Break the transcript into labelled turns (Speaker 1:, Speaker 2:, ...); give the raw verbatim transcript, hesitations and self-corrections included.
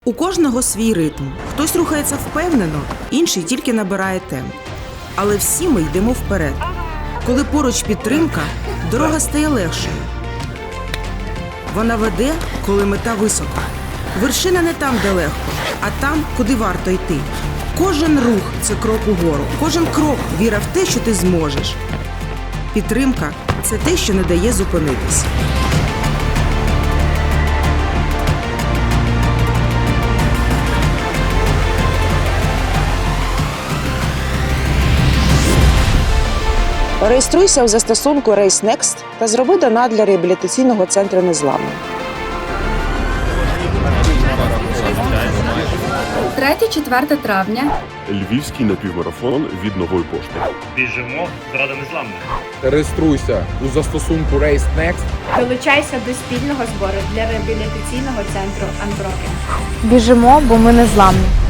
Speaker 1: У кожного свій ритм. Хтось рухається впевнено, інший тільки набирає темп. Але всі ми йдемо вперед. Коли поруч підтримка, дорога стає легшою. Вона веде, коли мета висока. Вершина не там, де легко, а там, куди варто йти. Кожен рух – це крок угору. Кожен крок – віра в те, що ти зможеш. Підтримка – це те, що не дає зупинитись.
Speaker 2: Реєструйся у застосунку RaceNext та зроби донат для реабілітаційного центру «Незламний».
Speaker 3: третє-четверте травня.
Speaker 4: Львівський напівмарафон від Нової пошти.
Speaker 5: Біжимо заради незламних.
Speaker 6: Реєструйся у застосунку RaceNext.
Speaker 7: Долучайся до спільного збору для реабілітаційного центру Unbroken.
Speaker 8: Біжимо, бо ми незламні.